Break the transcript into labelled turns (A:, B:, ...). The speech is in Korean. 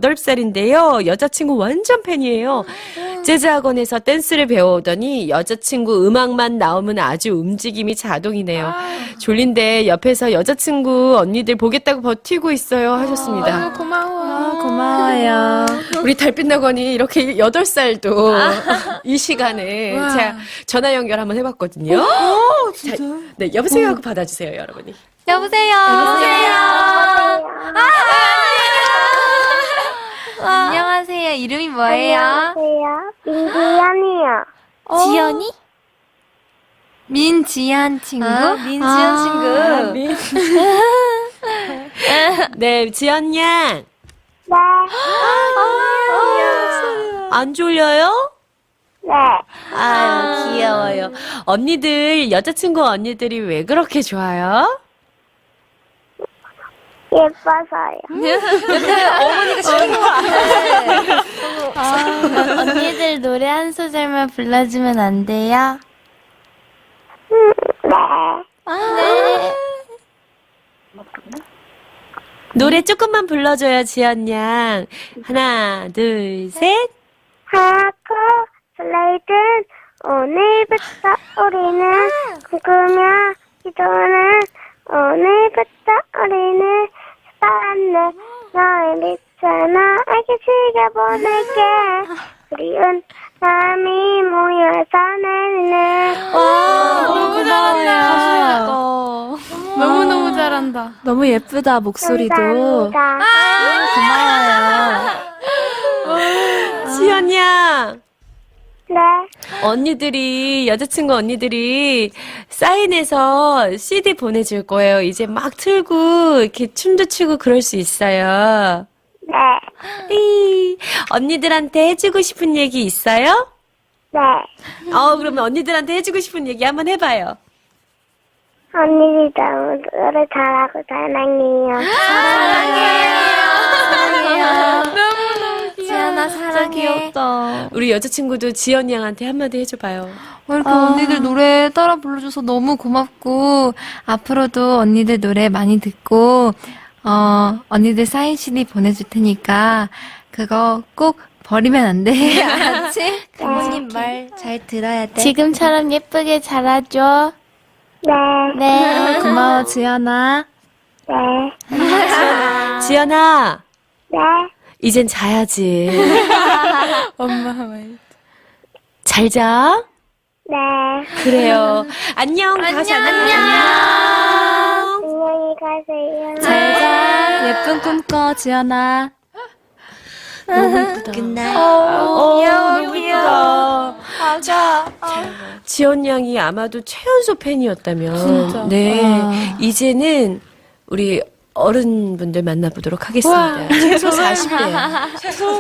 A: 8살인데요. 여자친구 완전 팬이에요. 재즈 학원에서 댄스를 배워오더니 여자친구 음악만 나오면 아주 움직임이 자동이네요. 졸린데 옆에서 여자친구 언니들 보겠다고 버티고 있어요 하셨습니다.
B: 고마워.
C: 고마워요.
A: 우리 달빛나건이 이렇게 8살도 이 시간에 제가 전화 연결 한번 해봤거든요.
B: 진짜?
A: 자, 네, 여보세요 하고 받아주세요, 여러분이.
C: 여보세요. 안녕하세요. 이름이 뭐예요?
D: 안녕하세요. 민지연이요.
C: 지연이? 민지연 친구?
A: 민지연 친구. 네, 지연 양.
D: 네.
A: 안 졸려요?
D: 네.
A: 아유, 귀여워요. 언니들, 여자친구 언니들이 왜 그렇게 좋아요?
D: 예뻐서요.
C: 어머니가 시킨 것 같아. 언니들 노래 한 소절만 불러주면 안 돼요?
D: 네.
C: 네.
A: 노래 조금만 불러줘요, 지연 양. 하나, 둘, 셋.
D: 하얗고 설레이든 오늘부터 우리는 꿈꾸며 기도는 오늘부터 우리는 사랑해 너의 빛을 나에게 즐겨보낼게 그리운 사람이 모여서 내는
C: 너무 잘한다.
B: 너무너무 잘한다.
C: 너무 예쁘다, 목소리도.
D: 감사합니다.
C: 고마워요.
A: 지연 양.
D: 네.
A: 언니들이, 여자친구 언니들이 사인해서 CD 보내줄 거예요. 이제 막 틀고, 이렇게 춤도 추고 그럴 수 있어요.
D: 네.
A: 언니들한테 해주고 싶은 얘기 있어요?
D: 네.
A: 그러면 언니들한테 해주고 싶은 얘기 한번 해봐요.
D: 언니들 너무 노래 잘하고 사랑해요.
C: 지연아, 사랑해. 귀엽다.
A: 우리 여자친구도 지연 양한테 한마디 해줘봐요.
B: 이렇게 언니들 노래 따라 불러줘서 너무 고맙고, 앞으로도 언니들 노래 많이 듣고, 언니들 사인 CD 보내줄 테니까, 그거 꼭 버리면 안 돼. 알았지?
C: 부모님 말 잘 들어야 돼.
E: 지금처럼 예쁘게 자라줘.
D: 네.
C: 네. 고마워, 지연아.
D: 네.
A: 지연아,
D: 네.
A: 이젠 자야지.
B: 엄마 말.
A: 잘 자.
D: 네.
A: 그래요. 안녕. 다시 안녕.
D: 안녕히 가세요.
C: 잘 자. 예쁜 꿈 꿔, 지연아.
A: 너무 예쁘다.
C: 귀여워, 귀여워.
A: 맞아. 지연 양이 아마도 최연소 팬이었다면.
B: 진짜.
A: 네. 이제는 우리 어른분들 만나보도록 하겠습니다. 최소 40대.